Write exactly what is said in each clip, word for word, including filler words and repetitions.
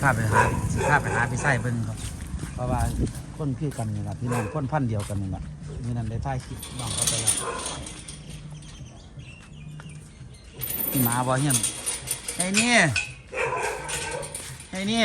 พาไปหาสิพาไปหาพี่ไส้เบิ่งครับเพราะว่าคนคือกันนี่ล่ะพี่น้องคนพันธุ์เดียวกันนี่ล่ะมีนั้นได้ถ่ายคลิปน้องเขาไปแล้วนี่หมาบ่เฮียนไอ้นี่ไอ้นี่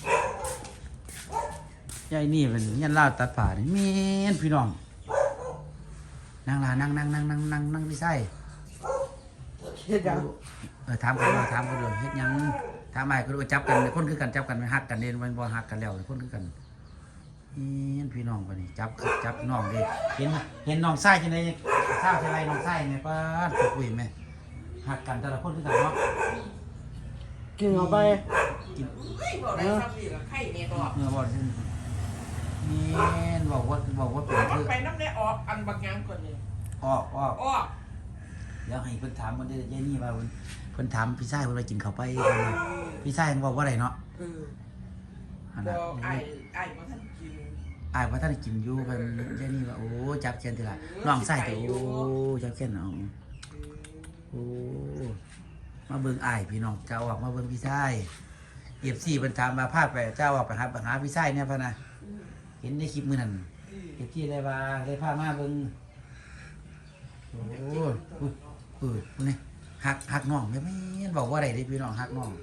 ไอ้นี่เป็นเฮียนลาวตัดป่านี่แม่นพี่น้องนั่งล่ะนั่งนั่งนั่งนั่งนั่งนั่งพี่ไส้เฮ็ดหยังเออถามกันว่าถามกันเลยเฮ็ดหยังถามอ้ายก็รู้จับกันคนคือกันจับกันฮักกันเด่นมันบ่ฮักกันแล้วคนคือกันเห็นพี่น้องปะนี่จับจับน้องดิเห็นเห็นน้องไส้จังได๋ข้าวอะไรน้องไส้แม่ป้าตกอุ้ยแม่ฮักกันแต่ละคนคือกันเนาะกินเอาไปกินเฮ้ยบ่ได้ซ้ำนี่ล่ะไข่แม่ดอกเออบ่นี่บอกว่าบอกว่าเป็นคือไปน้ำได้ออกอันบักยังก่อนนี่ออกออกออกเดี๋ยวให้เพิ่นถามเพิ่นได้ยายนี่ว่าเพิ่นเพิ่นถามพี่ชายเพิ่นว่ากินข้าวไปพี่ชายบอกว่าไดเนาะเออบอกไอ้ไอ้บ่ทันกินอ้ายว่าท่านกินอยู่เพิ่นยายนี่ว่าโอ้จับเชียนทีละน้องชายตัวโอ้จับเชียนเอาโอ้มาเบิ่งอ้ายพี่น้องเจ้าออกมาเบิ่งพี่ชาย เอฟ ซี เพิ่นถามว่าพาไปเจ้าออกไปหาไปหาพี่ชายเนี่ยพะนะเห็นในคลิปมื้อนั้นเอฟ ซี ได้ว่าได้พามาเบิ่งโอ้เออนี่หักหักน้องแม่แม่นบอกว่าอะไรดิพี่น้องหักน้อง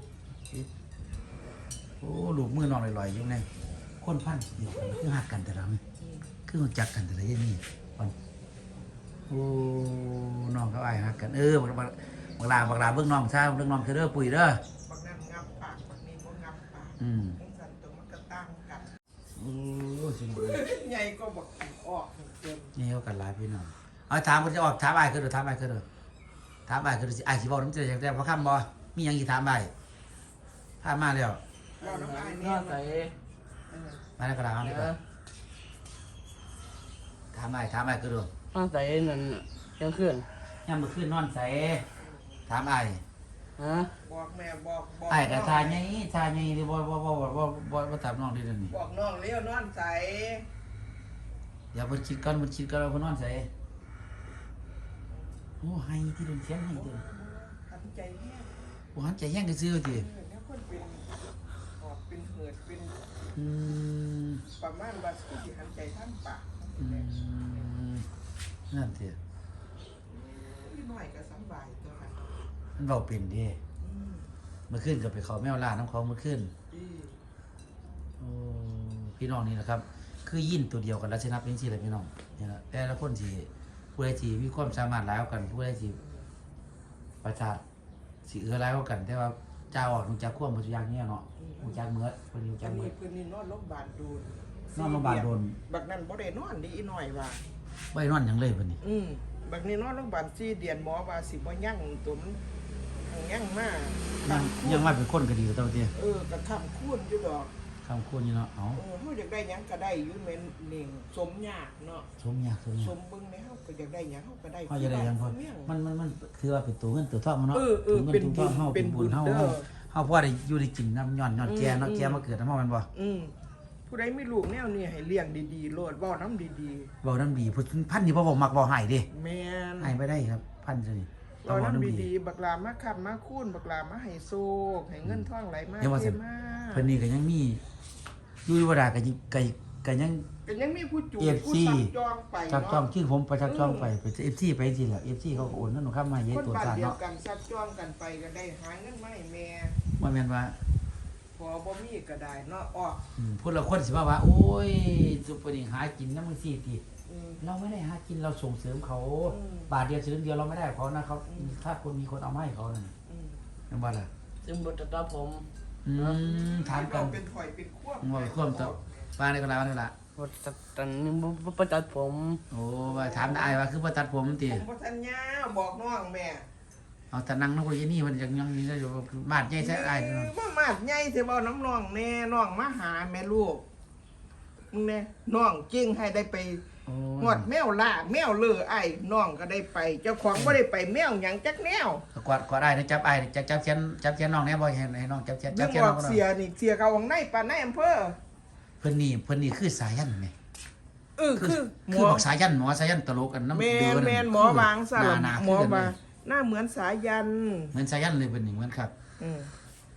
โอ้ลูกมือน้องลอยๆอยู่ในคนพันเดียวกันคือหักกันแต่ละคือรู้จักกันแต่ละอย่างนี้โอ้น้องเขาอ้ายหักกันเออบักบักลาบักลาเบิ่งน้องซะเบิ่งน้องเด้อปุ๋ยเด้อบักนั้นงับปากบักนี้บ่งับปากอืมสั่นตัวมันก็ตั้งกันโอ้สิใหญ่ก็บักออกเต็มนี่เฮากันหลายพี่น้องเอาถามเพิ่นจะออกถามอ้ายคือเด้อถามอ้ายคือเด้อถามอ้ายคือสิอ้ายสิเว้านำเจ้าจังได๋บ่คำบ่มีหยังสิถามอ้ายถามมาแล้วเราน้ำอ้ายนี่ใส่มาแล้วก็ถามดีกว่าถามอ้ายถามอ้ายคือเด้อมาใส่นั่นยังขึ้นยามมื้อคืนนอนไสถามอ้ายฮะบอกแม่บอกบอกอ้ายก็ทาใหญ่ทาใหญ่ดิบ่บ่บ่บ่บ่บ่บ่ถามน้องดิเดี๋ยวนี้บอกน้องเลี้ยวนอนใสเดี๋ยวเพิ่นคิดก่อนเพิ่นคิดก่อนว่าเพิ่นนอนไสโอ้ให้ที่โดนเสียงให้เด้อหันใจแห้งโอ้หันใจแห้งซื่อๆติแล้วคนเป็นออกเป็นเหือดเป็นอืมประมาณว่าสิหันใจทั้งปากอืมนั่นติพี่น้อยก็สบายตัวค่ะมันเว้าเป็นเด้เมื่อคืนก็ไปเข้าแมวล่าน้ำของเมื่อคืนโอ้พี่น้องนี่แหละครับคือยินตัวเดียวกันลักษณะเป็นสิแหละพี่น้องนี่ล่ะแต่ละคนสิผู้ใดที่มีความสามารถหลายกว่ากันผู้ใดที่ประสาทสิเอื้อหลายกว่ากันแต่ว่าเจ้าออกรู้จักความบ่ทุกอย่างเนี่ยเนาะรู้จักเมือดเพิ่นรู้จักเมือดเพิ่นนี่นอนโรงพยาบาลโดนนอนโรงพยาบาลโดนบักนั้นบ่ได้นอนดีอีน้อยว่าบ่ได้นอนหยังเลยเพิ่นนี่อืมบักนี้นอนโรงพยาบาลสี่เดือนหมอว่าสิบ่ยั่งตัวมันยั่งมายังยังว่าเป็นคนก็ดีตัวเตี้ยเออก็ค้ำคูณอยู่ดอกค้ำคูณอยู่เนาะเอ้าเออเฮาอยากได้หยังก็ได้อยู่แม่นนี่สมยากเนาะสมยากสมยากสมเบิ่งแม่เฮาก็อยากได้หยังเฮาก็ได้เฮาอยากได้หยังพอมันมันมันคือว่าเป็นตัวเงินตัวทองเนาะเป็นเงินตัวทองเฮาเป็นบุญเฮาเฮาพอได้อยู่ได้กินน้ำย้อนย้อนแก่เนาะแก่มาเกิดนำเฮาแม่นบ่อืมผู้ใดมีลูกแนวนี้ให้เลี้ยงดีๆโลดเว้านำดีๆเว้านำดีผู้พันนี่บ่บ่มักบ่ให้เด้แม่นให้บ่ได้ครับพันซะนี่เว้านำดีๆบักลามาค้ำมาคูณบักลามาให้โชคให้เงินทองไหลมาเทมาเพิ่นนี่ก็ยังมีอยู่บ่ได้ก็ก็ก็ยังก็ยังมีผู้จูบผู้ซักจองไปเนาะซักจองคือผมไปซักจองไปไป เอฟ ซี ไปจังซี่แหละ เอฟ ซี เขาก็โอนเงินเข้ามาเฮ็ดตัวซ่าเนาะคนบ้านเดียวกันซักจองกันไปก็ได้หาเงินมาให้แม่บ่แม่นว่าพอบ่มีก็ได้เนาะออกอืมพุ่นละคนสิว่าว่าโอ้ยซุปเปอร์นี่หากินนำจังซี่ติเราไม่ได้หากินเราส่งเสริมเขาบาทเดียวสลึงเดียวเราไม่ได้เขานะเขาถ้าคนมีคนเอามาให้เขานั่นอืมแม่นบ่ล่ะซึ่งบ่ตะผมอืมถามกันเป็นถอยเป็นควบว่าควบตะว่าได้ก็แล้วนั่นล่ะบ่ตัดตันบ่บ่ตัดผมโอ้ว่าถามได้ว่าคือบ่ตัดผมติผมบ่ทันยาบอกน้องแม่เอาแต่นั่งนำคนยี่นี่มันจังยังนี่อยู่มาดใหญ่ใช่อ้ายเนาะบ่มาดใหญ่สิเว้าน้ำน้องแน่น้องมาหาแม่ลูกมึงแน่น้องจริงให้ได้ไปหอดแมวล่าแมวเลือไอ้น้องก็ได้ไปเจ้าของบ่ได้ไปแมวหยังจักแนวกวาดกวาดได้นะจับไอ้จับจับเชียนจับเชียนน้องแน่บ่ให้ให้น้องจับเชียนจับเชียนน้องเสียนี่เสียเขาของในปานในอำเภอเพิ่นนี่เพิ่นนี่คือสายันแม่เออคือคือบอกสายันหมอสายันตลกกันน้ำเดือดแม่นหมอบางซะหมอบางหน้าเหมือนสายันเหมือนสายันเลยเพิ่นนี่เหมือนครับอือ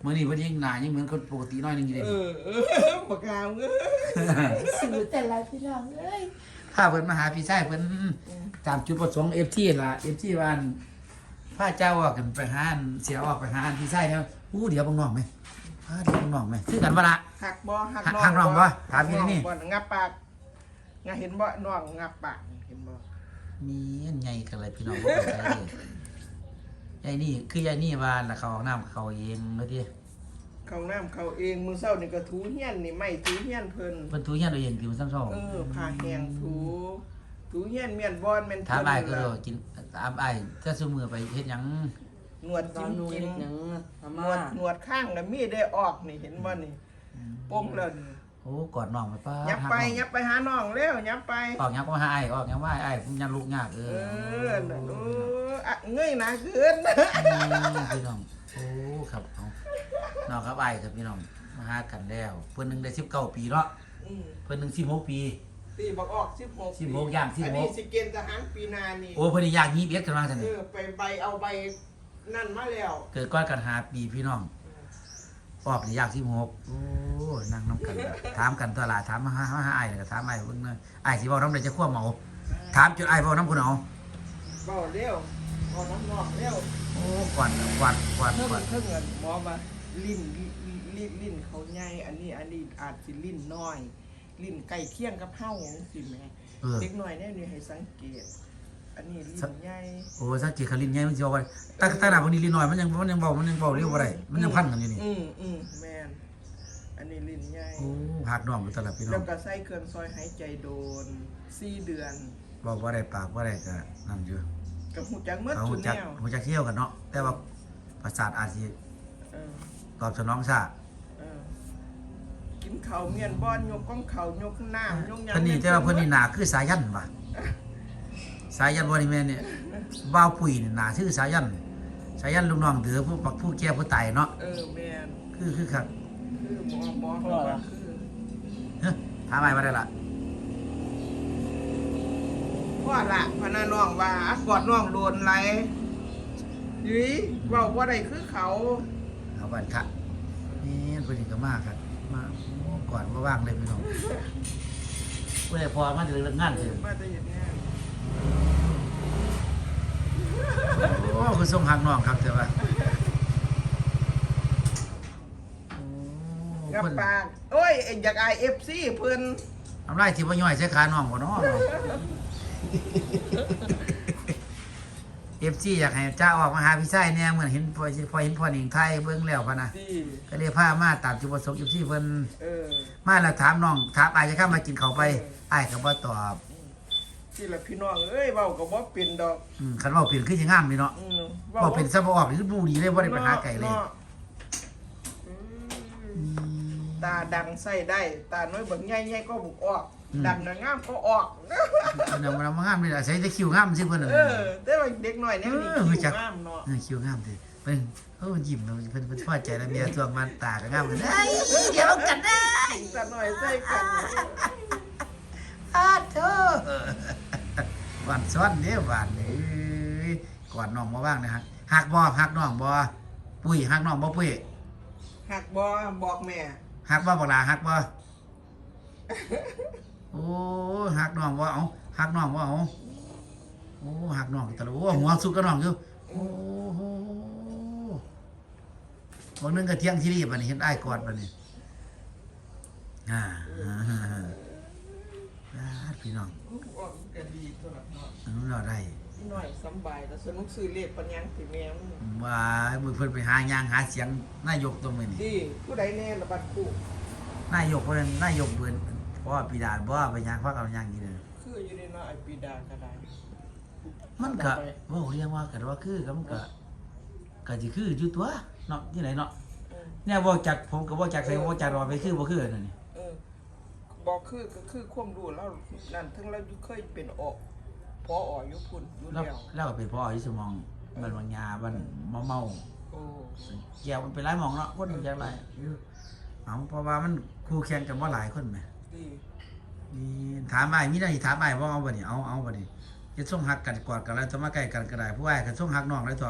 มื้อนี้เพิ่นยังหน้ายังเหมือนคนปกติน้อยหนึงอยู่เด้เออเออปากกามเอ้ยสื่อแต่ละพี่น้องเอ้ยพาเพิ่นมาหาพี่ชายเพิ่นตามจุดประสงค์ เอฟ ที ล่ะ เอฟ ที ว่าอั่นพาเจ้าออกกันไปหาอั่นเสียออกไปหาอั่นพี่ชายแล้วอู้เดี๋ยวบังน้องไหมพาเดี๋ยวบังน้องไหมคือกันบ่ล่ะหักบ่หักหักน้องบ่ถามพี่นี่บ่งับปากงาเห็นบ่น้องงับปากเห็นบ่มีอันใหญ่กันเลยพี่น้องบ่เข้าใจเลยยายนี่คือยายนี่ว่าน่ะเขาเอาน้ำเขาเองเนาะติเขาน้ำเขาเองมื้อเช้านี่ก็ถูเฮียนนี่ไม่ถูเฮียนเพิ่นเพิ่นทูเฮียนเอาเองติมันซ้ำซ้อเออผ้าแห้งถูถูเฮียนเมียนบอนแม่นถามอ้ายก็เพิ่นโดกินถามอ้ายถ้าซุมื้อไปเฮ็ดหยังหนวดตอจิ้นมนู้นจิ้มหนังอาหนม่าวดหนวดข้างก็มีได้ออกนี่เห็นบ่นี่โป้งแล้วนี่โอ้กอดน้องไปป้ายับไปหักน้องยับไปหาน้องเร็วยับไปออกยังก็หาไอ้ออกยังว่าไอ้ผมยังลุกยากเอเอออน่ะโอ้อะเงยหน้าขึ้นพี่น้องโอ้ครับเอาน้องครับไอ้ครับพี่น้องมาหากันแล้วเพิ่นหนึงได้สิบเก้าปีเนาะอืมเพิ่นหนึงสิบหกปีตีบอกออกสิบหกสิบหกย่างสิบหกอันนี้สิเกณฑ์ทหารปีหนานี่โอ้เพิ่นนี่อยากยี่สิบเอ็ดกันมาซั่นเอนี่อไปใบเอาใบนั่นมาแล้วเกิดก้อนกันหาปีพี่น้องออกนี่อยากสิบหกโอ้นั่งน้ำกันถามกันตลาดถามมาหาหาไอ้ก็ถามไอ้เพิ่นเนอะไอ้สิเว้านำได้จะควบเมาถามจนไอ้เว้านำพุ่นเอาเบาเร็วเอาน้ำนอกเร็วโอ้กวาดกวาดกวาดเพิ่งกวาดเพิ่งเงินหมอมาลิ้นลิ้นลิ้นลิ้นเขาใหญ่อันนี้อันนี้อาจสิลิ้นน้อย ลิ้นใกล้เคียงกับเฮาสิแม่เออเด็กน้อยแน่นี่ให้สังเกต อันนี้ลิ้นใหญ่โอ้สักกี่คลินใหญ่มันสิว่าว่าตั้งตั้งหน้าพวกนี้ลินน้อยมันยังมันยังเบามันยังเบาเร็วบ่ได้มันยังพันกันอยู่นี่อืมอืมแม่นอันนี้ลิ้นใหญ่โอ้หักน้องอยู่ตลอดพี่น้อแล้งวก็ใส่เครื่องซอยหายใจโดนสี่เดือนบอกว่าได้ปากว่าได้ก็นั่นอยู่กับหูจักเมื่อเอาจุหูนจักแนวหูจักเที่ยวกันเนาะแต่ว่าประสาทอาจสิเออตอบสนองช้าเออกินข้าวเมียนบอนยกก้องข้าวยกน้ำยกหยังเพิ่นนี่แต่ว่าเพิ่นนี่หน้าคือสายันว่ะสายันบ่นี่แม่นเนี่ยบ่าวปุ๋ยนี่หน้าคือสายันสายันลูกน้องเดือผู้ปักผู้แก่ผู้ตายเนาะเออแม่นคือคือครับคือหมอหมอเขาว่าคือเฮ้ยถามอ้ายว่าได้ล่ะพ่อละพนาน้องว่ากอดน้องโดนไรยุ้ยเว้าว่าได้คือเขาเอาบัดค่ะนี่เพิ่นนี่ก็มาครับมาก่อนบ่ว่างเลยพี่น้องเพิ่นพอมาถึงเรื่องงานเถอะมาแต่อย่างนี้โอ้คือส่งหักน้องครับเถอะว่าโอ้กับเพิ่นปากโอ้ยเอ็งอยากไอเอฟซีเพิ่นทำไรที่ว่าย่อยใช้ขาน้องบ่เนาะเอฟซีอยากให้เจ้าออกมาหาพี่ชายแน่เหมือนเห็นพอพอเห็นพ่อหนิงไทยเบิ่งแล้วพะนะดีก็เลยพามาตามจุดประสงค์เอฟซีเพิ่นเออมาแล้วถามน้องถามอ้ายจะเข้ามากินข้าวไปอ้ายก็บ่ตอบที่ละพี่น้องเอ้ยเว้าก็บ่เป็นดอกอืมคันเว้าเป็นคือสิงามนี่เนาะอืมเว้าเป็นซะบ่ออกนี่คือบ่ดีเลยบ่ได้ไปหาไก่เลยนาะอืมตาดังใส่ได้ ตาน้อยเบิ่งใหญ่ๆก็บุกออก ดังน่ะงามก็ออกเดี๋ยวมันงามนี่ล่ะใส่แต่คิ้วงามซิเพิ่นน่ะเออแต่ว่าเด็กน้อยแนวนี้เออรู้จัคิ้กวงามเนาะเออคิ้วงามดิเพิ่นเออยิ้มเนาะเพิ่นเพิ่นพอใจแล้วเมียช่วงมันตาก็งามเพิ่นเอ้ยเดี๋ยวกันได้ตาน้อยใส่กันอาโธ่หวานซ้อนเด้อหวานเอ้ยก่อนน้องมาว่างนะฮะหักบ่หักน้องบ่ปุ้ยหักน้องบ่ปุ้ยหักบ่บอกแม่หักบ่บักหลาหักบ่โอ้หักน้องบ่เอาหักน้องบ่เอาโอ้หักน้องตะลุโอ้หัวสุกกับน้องอยู่โอ้โหบางนึงก็เที่ยงที่รีบบัดนี้เห็นอ้ายกอดบัดนี้อ่าอ่าพี่น้องออกก็ดีตัวละเนาะอันนู้นเราได้พี่น้อยสำบายแต่สนุกซื้อเลขปัญญังสิแม่มึงว่ามือเพิ่นไปหายางหาเสียงนายกตรงนี้นี่ดีผู้ใดแน่ละบัดคู่นายกเพิ่นนายกเพิ่นเพราะว่าปีดาบ่ไปยางพักเอายางอยู่เด้อคืออยู่ในเนาะไอปีดาก็ได้มันก็เว้าเรียกว่ากันว่าคือก็มันก็ก็สิคืออยู่ตัวเนาะที่ไหนเนาะเออเนี่ยบ่จักผมก็บ่จักใส่บ่จักรอไปคือบ่คือนั่นนี่เออบอกคือก็คือความรู้แล้วนั่นถึงเราเคยเป็นออกพอออยู่พุ่นอยู่แล้วแล้วแล้วก็เป็นพ่ออยู่สมองบ้านบางยาบ้านเมาเมาโอ้แก้วมันเป็นหลายหมองเนาะคนมันจักหลายอยู่เอาเพราะว่ามันคู่แข่งกันบ่หลายคนแหมดีนี่ถามอ้ายมีได้ถามอ้ายบ่เอาบ่นี่เอาเอาบ่นี่จะส่งหักกันกอดกันแล้วจะมาใกล้กันก็ได้ผู้อ้ายก็ส่งหักน้องเลยตัวอืม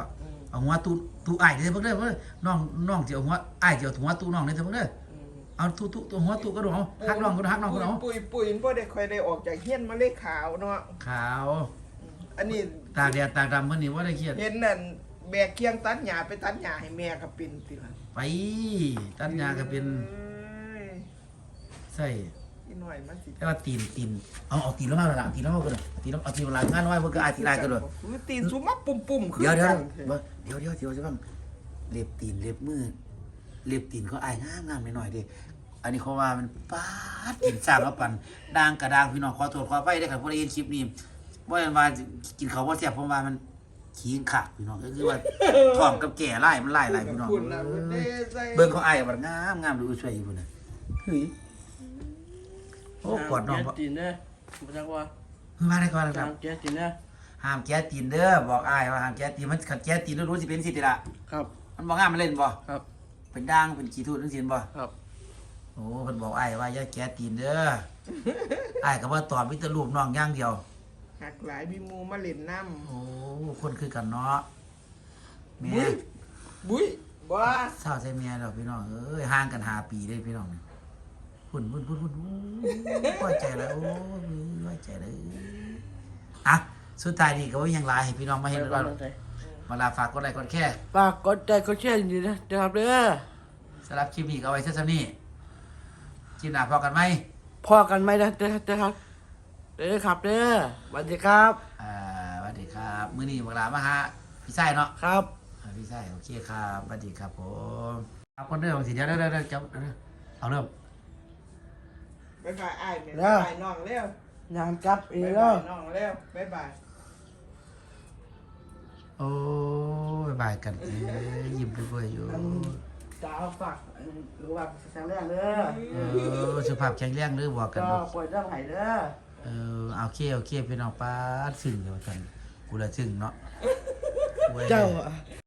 เอาหัวตู้ตู้อ้ายเด้อเพิ่นเด้อเพิ่นน้องน้องสิเอาหัวอ้ายสิเอาหัวตู้น้องเด้อเพิ่นเด้อเอาตู้ตู้ตัวหัวตู้กระโดดเอาฮักน้องกระโดดฮักน้องกระโดดปุยปุยบ่ได้ค่อยได้ออกจากเฮียนมาเลยขาวเนาะขาวอันนี้ตากแดดตากดำเพิ่นนี่บ่ได้เครียดเห็นนั่นแบกเคียงตัดหญ้าไปตัดหญ้าให้แม่ก็เป็นติล่ะไปตัดหญ้าก็เป็นอ้ยใส่อีหน่อยมันสิแต่ว่าตีนตีนเอาเอาตีนแล้วมาละตีนแล้วมาก็ได้ตีนแล้วเอาตีนมาลางานน้อยเพิ่นก็อายตีนลายก็ได้คือตีนสุมาปุ่มๆคือเดี๋ยวเดี๋ยวกันเดี๋ยวเดี๋ยวเดี๋ยวจะว่าเล็บตีนเล็บมือเล็บตีนเขาอายงามงามหน่อยๆดิอันนี้เขาว่ามันป๊าดกินสร้างแล้วปั่นด่างกระด่างพี่น้องขอโทษขอไปได้ครับพวกได้ยินคลิปนี้ว่าอันว่ากินเขาวว่าแซ่บเพราะว่ามันขี้ขาดพี่น้องก็คือว่าท้องกับแก่ไล่มันไล่ไล่พี่น้องคุณน่ะมันได้ใส่เบิ่งเขาอายแบบงามงามดูช่วยอยู่พุ่นน่ะเฮ้ยโอ้กอดน้องแกตีนเด้อบ่จักว่ามาได้ก่อนนะครับตามแกตีนเด้อห้ามแก้ตีนเด้อบอกอ้ายว่าห้ามแก้ตีนมันขัดแก้ตีนรู้สิเป็นสิติละครับมันบอกงามมันเล่นบ่ครับเป็นด่างเป็นขี้ทูดจังซี่บ่ครับโอ้เพิ่นบอกอ้ายว่าอย่าแก้ตีนเด้ออ้ายก็บ่ตอบมีแต่รูปน้องอย่างเดียวหักหลายมีหมูมาเล่นน้โอ้คนคือกันเนาะำแม่บุ้ยบุ้ยบ้าเศร้าใส่เมียดอกพี่น้องเอ้ยห่างกันห้าปีเด้พี่น้องนี่พุ่นพุ่นพุ่นพุ่นโอ้ยพอใจแล้วโอ้ยพอใจเลยอ่ะสุดท้ายนี่ก็บ่มีหยังหลายให้พี่น้องมาเห็นว่าเวลาฝากกดไลค์กดแชร์ฝากกดใจกดแชร์ดีนะนะครับเด้อสำหรับคลิปนี้ก็เอาไว้เท่านี้คลิปหน้าพอกันไหมพอกันไหมนะเด้อเด้อครับเด้อครับเด้อสวัสดีครับอ่าสวัสดีครับมื้อนี้บักหลามาหาพี่ไส้เนาะครับอ่าพี่ไส้โอเคครับสวัสดีครับผมเอาคนเริ่มสิเดี๋ยวเดี๋ยวเดี๋ยวเดี๋ยวจับเดี๋ยวเดี๋ยวเอาเริ่มบ๊ายบายอ้ายแม่บ๊ายบายน้องเร็วยามจับเองบ๊ายแล้บายว น้องเร็วบ๊ายบายโอ้ยบายกันเอ้ยยิ้มด้วยๆอยู่ดาวฝากหรือว่าแสงแรงเด้อเออสุขภาพแข็งแรงหรือบอกกันก็ดูปล่อยเรื่องไห้เด้อเออเอาเคโอเคพี่น้องป้าดซึ้งเดียวกันกูละซึ้งเนาะเจ้า